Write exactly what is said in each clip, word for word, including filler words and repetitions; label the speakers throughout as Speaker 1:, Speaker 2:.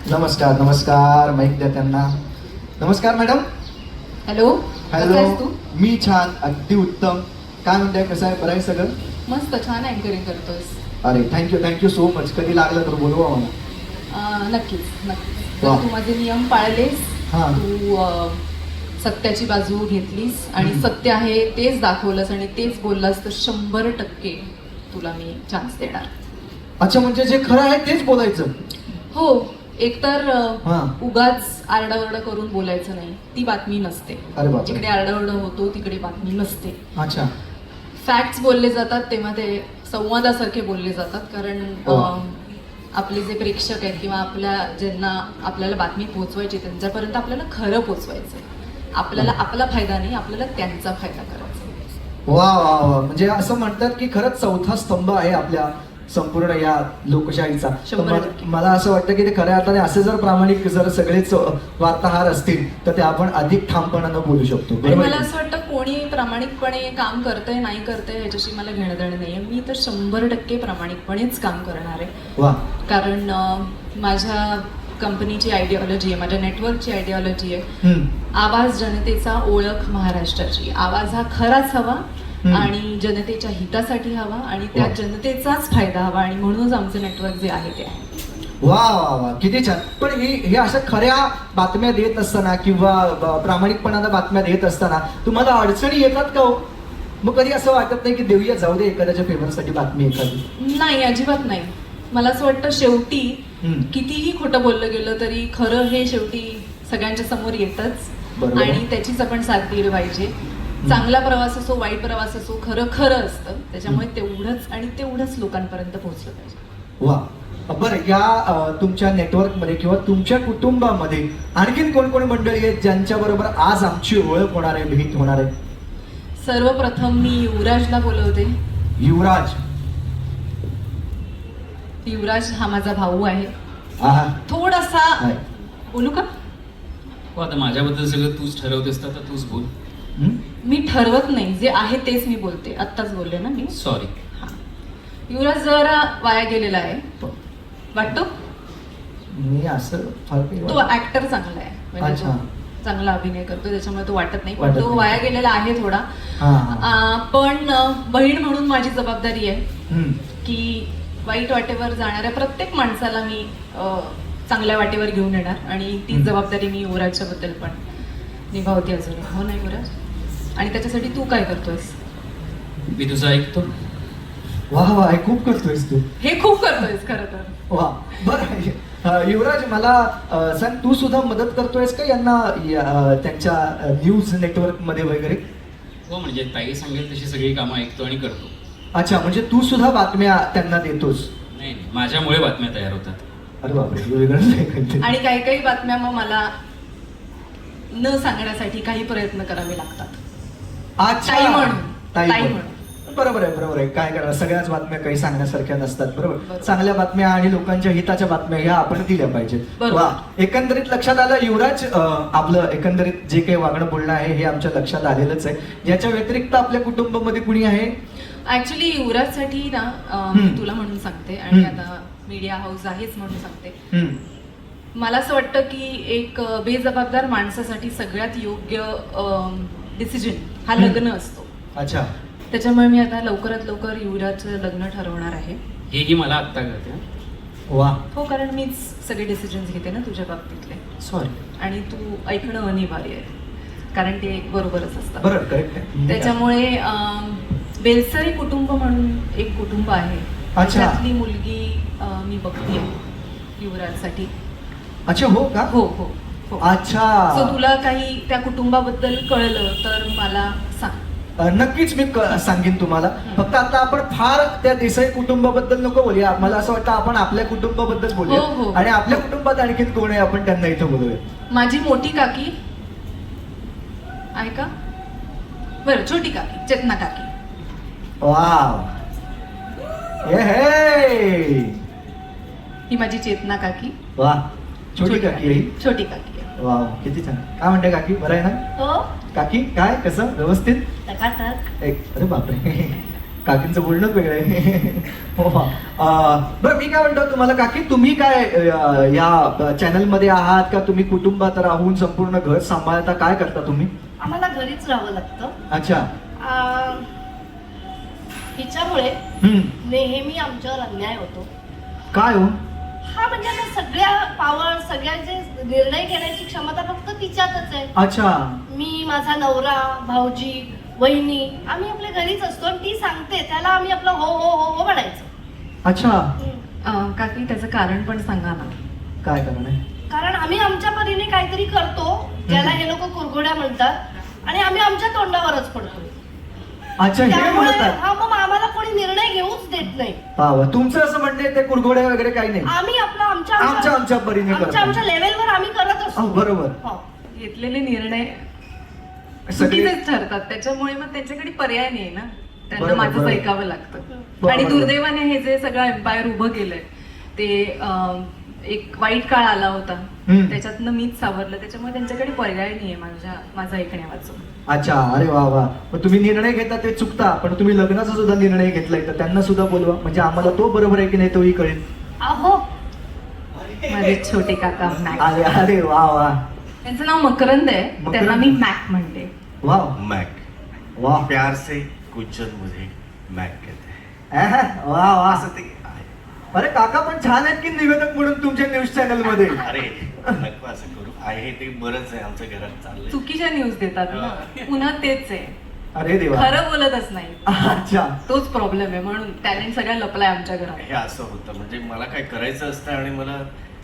Speaker 1: नमस्कार नमस्कार माईक द्या त्यांना. नमस्कार मॅडम.
Speaker 2: हॅलो.
Speaker 1: हॅलो.
Speaker 2: तू
Speaker 1: मी छान, अगदी उत्तम. काय म्हणताय, कसं आहे, बरं आहे सगळं?
Speaker 2: मस्त, छान अँकरिंग करतोस.
Speaker 1: अरे थँक्यू थँक्यू सो मच. कधी लागलं तर बोलवा मला.
Speaker 2: अं, नक्कीच नक्कीच.
Speaker 1: वा.
Speaker 2: तर तू माझे नियम पाळलेस,
Speaker 1: हां.
Speaker 2: तू अं, सत्याची बाजू घेतलीस आणि
Speaker 1: हम्म.
Speaker 2: सत्य आहे तेच दाखवलंस आणि तेच बोललास तर शंभर टक्के तुला मी चान्स देणार.
Speaker 1: अच्छा, म्हणजे जे खरं आहे तेच बोलायचं?
Speaker 2: हो. एकतर अं,
Speaker 1: हां.
Speaker 2: उगाच आरडाओरडा करून बोलायचं नाही, ती बातमी नसते.
Speaker 1: अरे बापरे.
Speaker 2: जिकडे आरडाओरडा होतो तिकडे बातमी नसते.
Speaker 1: अच्छा.
Speaker 2: फॅक्ट्स बोलले जातात तेव्हा ते संवादासारखे बोलले जातात. कारण
Speaker 1: हो.
Speaker 2: अं, आपले जे प्रेक्षक आहेत किंवा आपल्या ज्यांना आपल्याला बातमी पोहोचवायची त्यांच्यापर्यंत आपल्याला खरं पोहोचवायचं. आपल्याला आपला फायदा नाही, आपल्याला त्यांचा फायदा करायचा.
Speaker 1: वा वा वा. म्हणजे असं म्हणतात की खरंच चौथा स्तंभ आहे आपल्या संपूर्ण या लोकशाहीचा. तर
Speaker 2: शंभर
Speaker 1: मला-
Speaker 2: टक्के.
Speaker 1: मला असं वाटतं की ते खऱ्या अर्थाने असे जर प्रामाणिक जर सगळेच वार्ताहर असतील तर ते आपण अधिक ठामपणानं बोलू शकतो.
Speaker 2: आणि
Speaker 1: बरोबर
Speaker 2: मला
Speaker 1: आहे?
Speaker 2: असं वाटतं कोणी प्रामाणिकपणे काम करतंय नाही करतंय ह्याच्याशी मला घेणं देणं नाहीये. मी तर शंभर टक्के प्रामाणिकपणेच काम करणार आहे.
Speaker 1: वा.
Speaker 2: कारण अं, माझ्या कंपनीची आयडिओलॉजी आहे, माझ्या नेटवर्कची आयडिओलॉजी आहे.
Speaker 1: हम्म.
Speaker 2: आवाज जनतेचा, ओळख महाराष्ट्राची. आवाज हा खराच हवा
Speaker 1: हम्म.
Speaker 2: आणि जनतेच्या हितासाठी हवा आणि त्या
Speaker 1: वा.
Speaker 2: जनतेचाच फायदा हवा आणि म्हणूनच आमचं नेटवर्क जे आहे ते आहे.
Speaker 1: वा वा वा, किती छान. पण ही हे अशा खऱ्या बातम्या देत असताना किंवा ब- प्रामाणिकपणानं बातम्या देत असताना तुम्हाला अडचणी येतात का हो? मग कधी असं वाटत नाही की देऊया, जाऊ दे एखाद्याच्या फेवरसाठी बातमी एखादी?
Speaker 2: नाही, अजिबात नाही. मला असं वाटतं शेवटी
Speaker 1: हम्म.
Speaker 2: कितीही खोटं बोललं गेलं तरी खरं हे शेवटी सगळ्यांच्या समोर येतच
Speaker 1: बरोबर.
Speaker 2: आणि त्याचीच आपण साथ दिली पाहिजे. चांगला प्रवास असो, वाईट प्रवास असो, खरं खरं असतं. त्याच्यामुळे तेवढंच आणि तेवढंच लोकांपर्यंत पोहोचलं पाहिजे.
Speaker 1: वा. बरं, या अ, तुमच्या नेटवर्कमध्ये किंवा तुमच्या कुटुंबामध्ये आणखीन कोण कोण मंडळी आहेत ज्यांच्या बरोबर आज आमची ओळख होणार आहे, भेट होणार आहे?
Speaker 2: सर्वप्रथम मी युवराजला बोलवते.
Speaker 1: युवराज.
Speaker 2: युवराज हा माझा भाऊ आहे.
Speaker 1: आहा.
Speaker 2: थोडासा
Speaker 1: आहे.
Speaker 2: बोलू का?
Speaker 3: हो, आता माझ्याबद्दल सगळं तूच ठरवतेस तर आता तूच बोल.
Speaker 1: हम्म?
Speaker 2: मी ठरवत नाही, जे आहे तेच मी बोलते. आत्ताच बोलले ना मी.
Speaker 3: सॉरी.
Speaker 2: हा. युवराज जरा वाया गेलेला आहे वाटतो.
Speaker 1: मी असं फार काही
Speaker 2: तो
Speaker 1: वाटत-
Speaker 2: ऍक्टर चांगला आहे, म्हणजे
Speaker 1: अच्छा.
Speaker 2: तो चांगला अभिनय करतो त्याच्यामुळे तो वाटत नाही, पण
Speaker 1: वाटत
Speaker 2: तो
Speaker 1: नाही.
Speaker 2: वाया गेलेला आहे थोडा.
Speaker 1: हा, हा.
Speaker 2: आ, पण अ, बहीण म्हणून माझी जबाबदारी आहे
Speaker 1: हम्म.
Speaker 2: की वाईट वाटेवर जाणाऱ्या प्रत्येक माणसाला मी अ, चांगल्या वाटेवर घेऊन येणार आणि ती
Speaker 1: हम्म.
Speaker 2: जबाबदारी मी युवराजच्या बद्दल पण निभावते अजून. हो ना युवराज? आणि त्याच्यासाठी तू काय करतोयस?
Speaker 3: मी तुझं ऐकतो.
Speaker 1: वा वा, हे खूप करतोयस तू.
Speaker 2: हे खूप करतोयस खरं तर.
Speaker 1: वा. बरं, अ, युवराज मला अ, सांग, तू सुद्धा मदत करतोयस का यांना या, अ, त्यांच्या न्यूज नेटवर्क मध्ये वगैरे?
Speaker 3: हो, म्हणजे ताई सांगेल तशी सगळी कामं ऐकतो आणि करतो.
Speaker 1: अच्छा, म्हणजे तू सुद्धा बातम्या त्यांना देतोस?
Speaker 3: नाही नाही, माझ्यामुळे बातम्या तयार होतात.
Speaker 1: अरे बापरे, हे वेगळंच आहे काहीतरी.
Speaker 2: आणि काही काही बातम्या मग मला न सांगण्यासाठी काही प्रयत्न करावे लागतात.
Speaker 1: अच्छा.
Speaker 2: ताई म्हणून.
Speaker 1: ताई
Speaker 2: ताई
Speaker 1: म्हणून.
Speaker 2: म्हणून.
Speaker 1: बरोबर आहे, बरोबर आहे. काय करणार, सगळ्याच बातम्या काही सांगण्यासारख्या नसतात. बरोबर.
Speaker 2: बरोबर.
Speaker 1: चांगल्या बातम्या आणि लोकांच्या हिताच्या बातम्या ह्या आपण दिल्या पाहिजेत.
Speaker 2: बरोबर.
Speaker 1: वा. एकंदरीत लक्षात आलं युवराज, अ, आपलं एकंदरीत जे काही वागणं बोलणं आहे हे आमच्या लक्षात आलेलंच आहे. याच्या व्यतिरिक्त आपल्या कुटुंबामध्ये कुणी आहे?
Speaker 2: ऍक्च्युली युवराजसाठी ना अं, मी
Speaker 1: हम्म.
Speaker 2: तुला म्हणून सांगते आणि
Speaker 1: हम्म.
Speaker 2: आता मीडिया हाऊस आहेच म्हणून सांगते.
Speaker 1: हम्म.
Speaker 2: मला असं वाटतं की एक अं, बेजबाबदार माणसासाठी सगळ्यात योग्य डिसिजन हा
Speaker 1: हम्म.
Speaker 2: लग्न असतो.
Speaker 1: अच्छा.
Speaker 2: त्याच्यामुळे मी आता लवकरात लवकर युवराजचं लग्न ठरवणार आहे.
Speaker 3: हेही मला आत्ता कळते.
Speaker 1: वा.
Speaker 2: हो, कारण मीच सगळे डिसिजन्स घेते ना तुझ्या बाबतीतले.
Speaker 3: सॉरी.
Speaker 2: आणि तू ऐकणं अनिवार्य आहे कारण ते बरोबरच असतं.
Speaker 1: बरोबर, करेक्ट आहे.
Speaker 2: त्याच्यामुळे अं, बेलसरी कुटुंब म्हणून एक कुटुंब आहे.
Speaker 1: अच्छा.
Speaker 2: त्यातली मुलगी अं, मी बघते युवराजसाठी.
Speaker 1: अच्छा, हो का?
Speaker 2: हो हो हो.
Speaker 1: अच्छा.
Speaker 2: सो तुला काही त्या कुटुंबाबद्दल कळलं तर मला सांग.
Speaker 1: अ, नक्कीच मी क- सांगेन तुम्हाला.
Speaker 2: हं.
Speaker 1: फक्त आता आपण फार त्या देसाई कुटुंबाबद्दल नको बोलूया. मला असं वाटतं आपण आपल्या कुटुंबाबद्दल
Speaker 2: हो, हो.
Speaker 1: बोलूया आणि आपल्या कुटुंबात आणखीन कोण आहे आपण त्यांना इथं बोलूया.
Speaker 2: माझी मोठी काकी आहे का? बरं, छोटी काकी, चेतना काकी.
Speaker 1: वाव. ए हे.
Speaker 2: ही माझी चेतना काकी.
Speaker 1: वा. छोटी काकी आहे ही.
Speaker 2: छोटी काकी आहे.
Speaker 1: वाव, किती छान. काय म्हणते काकी, बरं आहे ना?
Speaker 2: हो,
Speaker 1: काकी काय, कसं, व्यवस्थित?
Speaker 2: टकाटक.
Speaker 1: एक, अरे बापरे. काकींचं बोलणंच वेगळं आहे. हो हा. अं, बरं मी काय म्हणतो तुम्हाला काकी, तुम्ही काय अं, या चॅनलमध्ये आहात का तुम्ही कुटुंबात राहून संपूर्ण घर सांभाळता, काय करता तुम्ही?
Speaker 4: आम्हाला घरीच राहावं लागतं.
Speaker 1: अच्छा.
Speaker 4: आ, हिच्यामुळे
Speaker 1: हम्म.
Speaker 4: नेहमी आमच्यावर अन्याय होतो.
Speaker 1: काय हो?
Speaker 4: हा म्हणजे आता सगळ्या पावर सगळ्यांचे निर्णय घेण्याची क्षमता फक्त तिच्यातच आहे.
Speaker 1: अच्छा.
Speaker 4: मी, माझा नवरा, भाऊजी, वहिनी, आम्ही आपल्या घरीच असतो आणि ती सांगते त्याला आम्ही आपलं हो हो हो हो म्हणायचं.
Speaker 1: अच्छा.
Speaker 4: हम्म.
Speaker 2: अं, काकी त्याचं कारण पण सांगा ना.
Speaker 1: काय कारण आहे?
Speaker 4: कारण आम्ही आमच्या परीने काहीतरी करतो ज्याला हे लोक कुरघोड्या म्हणतात आणि आम्ही आमच्या तोंडावरच पडतो.
Speaker 1: अच्छा, हे
Speaker 4: त्यामुळे
Speaker 1: म्हणतात.
Speaker 4: हा मग आम्हाला कोणी निर्णय घेऊच देत नाही.
Speaker 1: वा वा. तुमचं असं म्हणणं आहे ते कुरघोड्या वगैरे काही नाही,
Speaker 4: आम्ही आपलं आमच्या
Speaker 1: आमच्या आमच्या परीने
Speaker 4: आमच्या
Speaker 1: करतो.
Speaker 4: आमच्या लेवलवर आम्ही करत
Speaker 1: हो,
Speaker 4: असतो.
Speaker 1: बरोबर.
Speaker 4: हो.
Speaker 2: घेतलेले निर्णय
Speaker 1: सगळे
Speaker 2: चुकीचेच ठरतात, त्याच्यामुळे मग त्यांच्याकडे पर्याय नाही ना, त्यांना
Speaker 1: बरोबर,
Speaker 2: माझंच
Speaker 1: बरोबर.
Speaker 2: ऐकावं लागतं.
Speaker 1: बरोबर.
Speaker 2: आणि दुर्दैवाने हे जे सगळं एम्पायर उभं केलंय ते अं, एक वाईट काळ आला होता,
Speaker 1: हम्म.
Speaker 2: त्याच्यातनं मीच सावरलं, त्याच्यामुळे त्यांच्याकडे पर्याय नाहीये माझ्या माझा ऐकण्या वाचून.
Speaker 1: अच्छा. अरे वा वा. मग तुम्ही निर्णय घेता ते चुकता, पण तुम्ही लग्नाचा सुद्धा निर्णय घेतलाय तर त्यांना सुद्धा बोलवा, म्हणजे आम्हाला तो बरोबर आहे की नाही तोही कळेल.
Speaker 4: अहो
Speaker 2: माझे छोटे काका मॅक,
Speaker 1: अरे अरे वा वा.
Speaker 2: त्यांचं नाव मकरंद आहे,
Speaker 1: मकरंद.
Speaker 2: त्यांना मी मॅक म्हणते.
Speaker 1: वा
Speaker 5: मैक,
Speaker 1: वा.
Speaker 5: प्यार से गुज्जर मुझे मैक कहते हैं.
Speaker 1: अहं, वा वा.
Speaker 5: असं ते आहे.
Speaker 1: अरे काका पण छान आहेत की निवेदक म्हणून तुमच्या न्यूज चॅनल मध्ये.
Speaker 5: अरे नको असं करू, आहे ते बरंच आहे आमच्या घरात चाललंय.
Speaker 2: चुकीच्या न्यूज देतात ना, पुन्हा तेच आहे,
Speaker 1: अरे देवा.
Speaker 2: खरं बोलतच नाही.
Speaker 1: अच्छा.
Speaker 2: तोच प्रॉब्लेम आहे, म्हणून टॅलेंट सगळ्या लपलाय आमच्या घरात.
Speaker 5: हे असं होतं, म्हणजे मला काय करायचं असतं आणि मला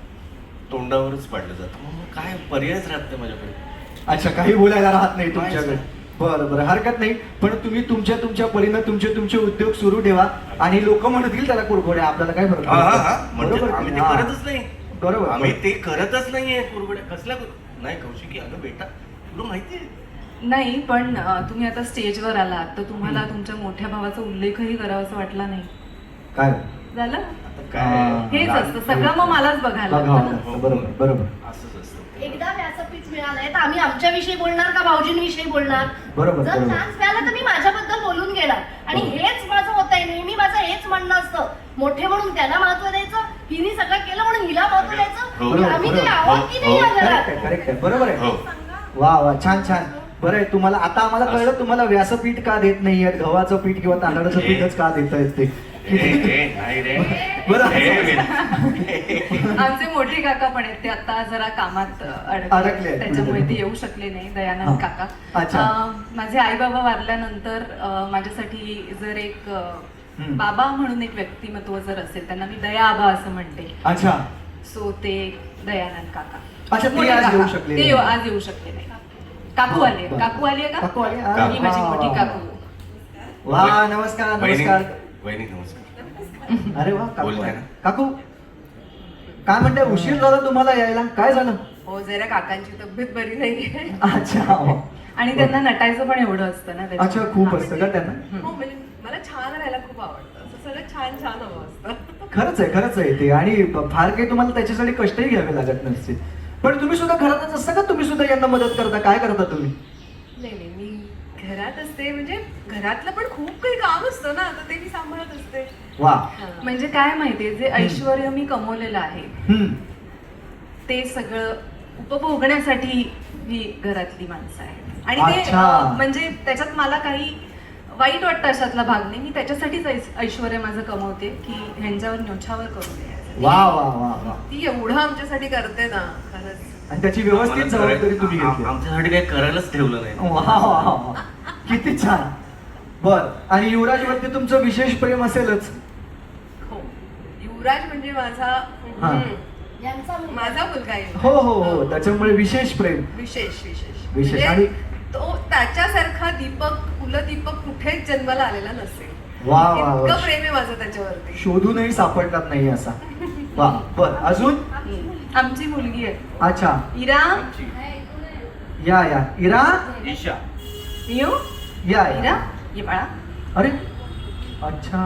Speaker 5: तोंडावरच पाडलं जातं, मग मग काय पर्यायच राहत नाही माझ्याकडे.
Speaker 1: अच्छा, काही बोलायला राहत नाही तुमच्याकडे.
Speaker 5: काहीच
Speaker 1: बरं बरं, हरकत नाही. पण तुम्ही तुमच्या तुमच्या परीनं तुमचे तुमचे उद्योग सुरू ठेवा आणि लोक म्हणतील त्याला कुरघोड्या, आपल्याला काय फरक
Speaker 5: हा, हा,
Speaker 1: पडतो?
Speaker 5: हा. म्हणजे
Speaker 1: बरोबर
Speaker 5: आम्ही
Speaker 1: की
Speaker 5: ते
Speaker 1: नाही? हा.
Speaker 5: करतच नाही.
Speaker 1: बरोबर.
Speaker 5: आम्ही ते करतच नाहीये कुरघोड्या कसल्या कुर- नाही कौशिकी, अगं बेटा तुला माहितीये
Speaker 2: नाही, पण अं, तुम्ही आता स्टेजवर आलात तर तुम्हाला तुमच्या मोठ्या भावाचा उल्लेखही करावासा वाटला नाही.
Speaker 1: काय
Speaker 2: झालं
Speaker 5: आता
Speaker 1: हा.
Speaker 5: काय
Speaker 2: हेच असतं, सगळं मग मलाच बघायला
Speaker 1: बघावं
Speaker 2: लागतं ना.
Speaker 1: लागतं. बरोबर बरोबर
Speaker 5: असंच असतं.
Speaker 4: एकदा व्यासपीठ मिळालंय तर आम्ही आमच्याविषयी बोलणार का भाऊजींविषयी बोलणार?
Speaker 1: बरोबर,
Speaker 4: जर
Speaker 1: बरोबर.
Speaker 4: चान्स मिळाला तर मी माझ्याबद्दल बोलून घेणार. आणि
Speaker 1: बरोबर.
Speaker 4: हेच माझं होत आहे, नेहमी माझं हेच म्हणणं असतं, मोठे म्हणून त्यांना महत्व द्यायचं, हिने सगळं केलं म्हणून हिला महत्व द्यायचं.
Speaker 5: हो,
Speaker 4: ही आम्ही काही
Speaker 1: बरोबर.
Speaker 4: आहोत की नाही
Speaker 5: हो,
Speaker 4: या
Speaker 1: करेक्ट
Speaker 4: घरात?
Speaker 1: आहे करेक्ट आहे, बरोबर आहे.
Speaker 5: हो.
Speaker 1: वा वा, छान छान. बरं आहे, तुम्हाला आता आम्हाला कळलं तुम्हाला व्यासपीठ का देत नाहीये, गव्हाचं पीठ किंवा तांदळाचं
Speaker 5: हे.
Speaker 1: पीठच का देत आहेत ते.
Speaker 5: ए, ए, नाही रे.
Speaker 1: बरं.
Speaker 5: हे,
Speaker 2: आमचे मोठे काका पण आहेत, ते आता जरा कामात
Speaker 1: अडकले
Speaker 2: अडकले,
Speaker 1: आहेत.
Speaker 2: त्याच्यामुळे ते येऊ शकले नाही, दयानंद
Speaker 1: हा.
Speaker 2: काका.
Speaker 1: अच्छा.
Speaker 2: अं, माझे आई बाबा वारल्यानंतर अं, माझ्यासाठी जर एक अं,
Speaker 1: हम्म.
Speaker 2: बाबा म्हणून एक व्यक्तिमत्व जर असेल, त्यांना मी दया आबा असं म्हणते,
Speaker 1: अच्छा.
Speaker 2: सो ते दयानंद काका.
Speaker 1: अच्छा, ते
Speaker 2: मोठे
Speaker 1: आज
Speaker 2: काका.
Speaker 1: येऊ शकले
Speaker 2: ते
Speaker 1: नाही.
Speaker 2: आज येऊ शकले नाही. काकू आले,
Speaker 1: बरं.
Speaker 2: काकू आली आहे का?
Speaker 1: काकू आली आहे?
Speaker 2: ही माझी
Speaker 1: वा,
Speaker 2: मोठी
Speaker 1: वा,
Speaker 2: काकू.
Speaker 1: वा, नमस्कार
Speaker 5: वहिनी
Speaker 1: नमस्कार.
Speaker 5: वहिनी नमस्कार.
Speaker 1: अरे वा, काकू
Speaker 5: बोलताय ना?
Speaker 1: काकू काय म्हणते, उशीर झाला तुम्हाला यायला, काय झालं?
Speaker 6: हो, जरा काकांची तब्येत बरी नाहीये.
Speaker 1: अच्छा.
Speaker 2: आणि त्यांना नटायचं पण एवढं असतं ना त्याच्यात.
Speaker 1: अच्छा, खूप असतं का त्यांना?
Speaker 6: हो, म्हणजे मला छान राहायला खूप आवडतं, असं सगळं छान छान हवं असतं.
Speaker 1: खरंच आहे खरंच आहे ते. आणि फार काही तुम्हाला त्याच्यासाठी कष्टही घ्यावे लागत नसते. पण तुम्ही सुद्धा घरातच असता का, तुम्ही सुद्धा यांना मदत करता, काय करता तुम्ही?
Speaker 6: नाही नाही, मी घरात असते, म्हणजे घरातलं पण खूप काही काम असतं ना, तर ते मी सांभाळत असते.
Speaker 1: वा.
Speaker 2: म्हणजे काय माहितीये, जे ऐश्वर मी कमवलेलं आहे
Speaker 1: हम्म.
Speaker 2: ते सगळं उपभोगण्यासाठी ही घरातली माणसं आहेत. आणि ते
Speaker 1: अच्छा.
Speaker 2: अं, म्हणजे त्याच्यात मला काही वाईट वाटतं अशातला भाग नाही. मी त्याच्यासाठीच ऐस- ऐश्वर्य माझं कमवते की ह्यांच्यावर न्योछावर करू नये.
Speaker 1: वा वा वा वा.
Speaker 6: ती एवढं आमच्यासाठी करते ना, खरंच.
Speaker 1: आणि त्याची व्यवस्थित
Speaker 5: आम्हाला
Speaker 1: जबाबदारी तुम्ही
Speaker 5: करायला-
Speaker 1: घेतली.
Speaker 5: आम- आमच्यासाठी काही करायलाच ठेवलं नाही.
Speaker 1: वा वा वा. किती छान. बर. आणि युवराज वरती तुमचं विशेष प्रेम असेलच.
Speaker 6: हो, युवराज म्हणजे माझा
Speaker 1: हा.
Speaker 6: हम्म,
Speaker 4: यांचा मुलगा.
Speaker 6: माझा मुलगा आहे.
Speaker 1: हो हो हो, त्याच्यामुळे विशेष प्रेम.
Speaker 6: विशेष विशेष
Speaker 1: विशेष.
Speaker 6: म्हणजे
Speaker 1: आणि
Speaker 6: तो त्याच्यासारखा दीपक, कुलदीपक कुठेच जन्माला आलेला नसेल.
Speaker 1: वा वा वा.
Speaker 6: इतकं प्रेम आहे माझं त्याच्यावरती.
Speaker 1: शोधूनही सापडणार नाही असा. वा. बर, अजून?
Speaker 2: आमची मुलगी आहे
Speaker 1: अच्छा.
Speaker 2: इरा.
Speaker 1: या या इरा,
Speaker 5: ईशा.
Speaker 2: येऊ
Speaker 1: या
Speaker 2: इरा,
Speaker 1: या.
Speaker 2: ये बाळा.
Speaker 1: अरे अच्छा.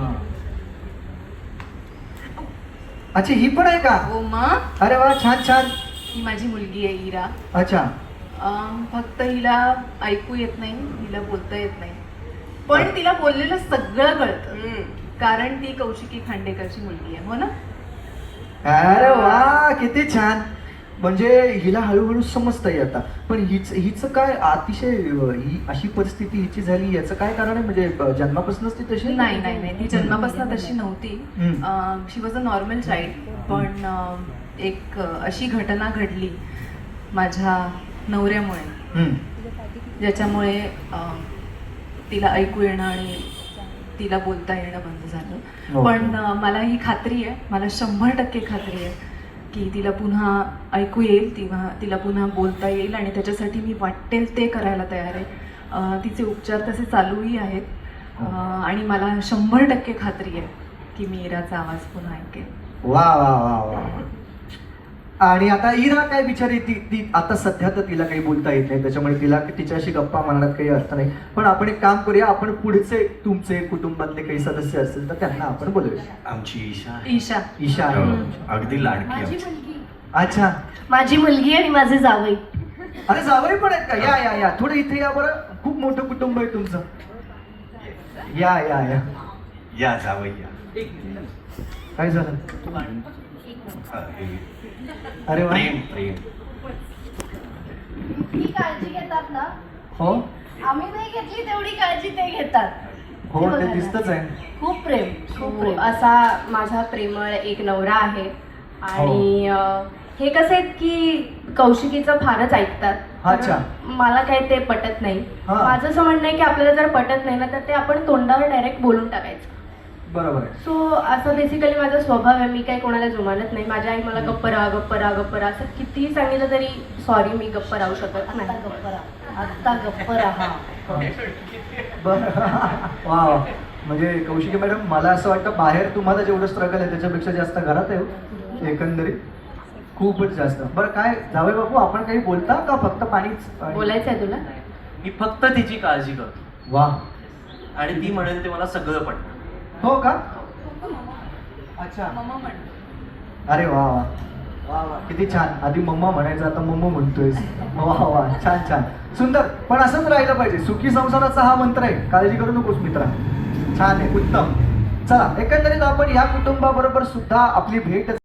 Speaker 1: अच्छा, ही पण आहे का?
Speaker 2: हो मग,
Speaker 1: अरे वा, छान छान.
Speaker 2: ही माझी मुलगी आहे इरा.
Speaker 1: अच्छा.
Speaker 2: अं, फक्त हिला ऐकू येत नाही, हिला बोलता येत नाही.
Speaker 6: पण तिला बोललेलं सगळं कळतं कारण ती कौशिकी खांडेकरची मुलगी आहे, हो ना?
Speaker 1: अरे वा किती छान. म्हणजे हिला हळूहळू समजतंय आता. पण हिच हिचं काय अतिशय अं, ही अशी परिस्थिती हिची झाली याचं काय कारण आहे? म्हणजे अं, जन्मापासूनच ती तशी
Speaker 6: नाही नाही नाही ती जन्मापासून तशी नव्हती.
Speaker 1: Hmm.
Speaker 6: She was a normal child. पण अं, एक अं, अशी घटना घडली माझ्या नवऱ्यामुळे
Speaker 1: हम्म.
Speaker 6: ज्याच्यामुळे अं, तिला ऐकू येणं आणि तिला बोलता येणं बंद झालं.
Speaker 1: हो.
Speaker 6: पण अं, मला ही खात्री आहे, मला शंभर टक्के खात्री आहे की तिला पुन्हा ऐकू येईल, तेव्हा तिला पुन्हा बोलता येईल आणि त्याच्यासाठी मी वाटेल ते करायला तयार आहे. अं, तिचे उपचार तसे चालूही आहेत. अं, आणि मला शंभर टक्के खात्री आहे की मी इराचा आवाज पुन्हा ऐकेल.
Speaker 1: वा वा वा वा. आणि आता इरा काय बिचारी ती ती आता सध्या तर तिला काही बोलता येत नाही, त्याच्यामुळे तिला तिच्याशी गप्पा मारण्यात काही अर्थ नाही. पण आपण एक काम करूया, आपण पुढचे तुमचे कुटुंबातले काही सदस्य असतील तर त्यांना आपण बोलूया.
Speaker 5: आमची ईशा आहे.
Speaker 6: ईशा
Speaker 1: ईशा आहे.
Speaker 5: हो, अगदी लाडकी
Speaker 4: माझी
Speaker 5: आमची.
Speaker 4: मुलगी
Speaker 1: अच्छा.
Speaker 4: माझी मुलगी आणि माझे जावई.
Speaker 1: अरे जावई पण आहेत का? या या या थोडं इथे या बरं. खूप मोठं कुटुंब आहे तुमचं. या या या.
Speaker 5: या जावई या.
Speaker 1: काय झालं?
Speaker 5: हा, हे
Speaker 1: अरे वा.
Speaker 5: प्रेम प्रेम.
Speaker 4: इतकी काळजी घेतात ना,
Speaker 1: हो
Speaker 4: आम्ही नाही घेतली तेवढी काळजी ते घेतात.
Speaker 1: हो
Speaker 4: बघा
Speaker 1: ते
Speaker 4: ना.
Speaker 1: दिसतच आहे.
Speaker 4: खूप प्रेम, खूप प्रेम.
Speaker 7: असा माझा प्रेमळ एक नवरा आहे आणि अं, हे कसं आहे की कौशिकीचं फारच ऐकतात.
Speaker 1: अच्छा.
Speaker 7: तर मला काही ते पटत नाही.
Speaker 1: हा.
Speaker 7: माझं असं म्हणणं आहे की आपल्याला जर पटत नाही ना तर ते आपण तोंडावर डायरेक्ट बोलून टाकायचं.
Speaker 1: बरोबर आहे.
Speaker 7: सो असं बेसिकली माझा स्वभाव आहे. मी काही कोणाला जुमानत नाही. माझी आई मला गप्प राहा गप्प राहा गप्प राहा असं कितीही सांगितलं तरी सॉरी मी गप्प राहू शकत
Speaker 4: आत्ता
Speaker 7: नाही.
Speaker 4: गप्प राहा, आत्ता गप्प राहा.
Speaker 1: बरं. वा वा. म्हणजे कौशिकी मॅडम मला असं वाटतं बाहेर तुम्हाला जेवढं स्ट्रगल आहे त्याच्यापेक्षा जास्त घरात आहे हो. एकंदरीत खूपच जास्त. बरं काय जावई बापू आपण काही बोलता का फक्त पाणीच?
Speaker 7: बोलायचं आहे तुला?
Speaker 8: मी फक्त तिची काळजी करतो
Speaker 1: वा.
Speaker 8: आणि ती म्हणेल ते मला सगळं पटतं.
Speaker 1: हो का? अच्छा.
Speaker 6: मम्मा म्हणतो.
Speaker 1: अरे वा वा वा वा किती छान. आधी मम्मा म्हणायचं आता मम्मा म्हणतोय. वा वा छान छान सुंदर. पण असंच राहिलं पाहिजे. सुखी संसाराचा हा मंत्र आहे. काळजी करू नकोस मित्रा. छान आहे उत्तम. चला एकंदरीत आपण या कुटुंबाबरोबर सुद्धा आपली भेट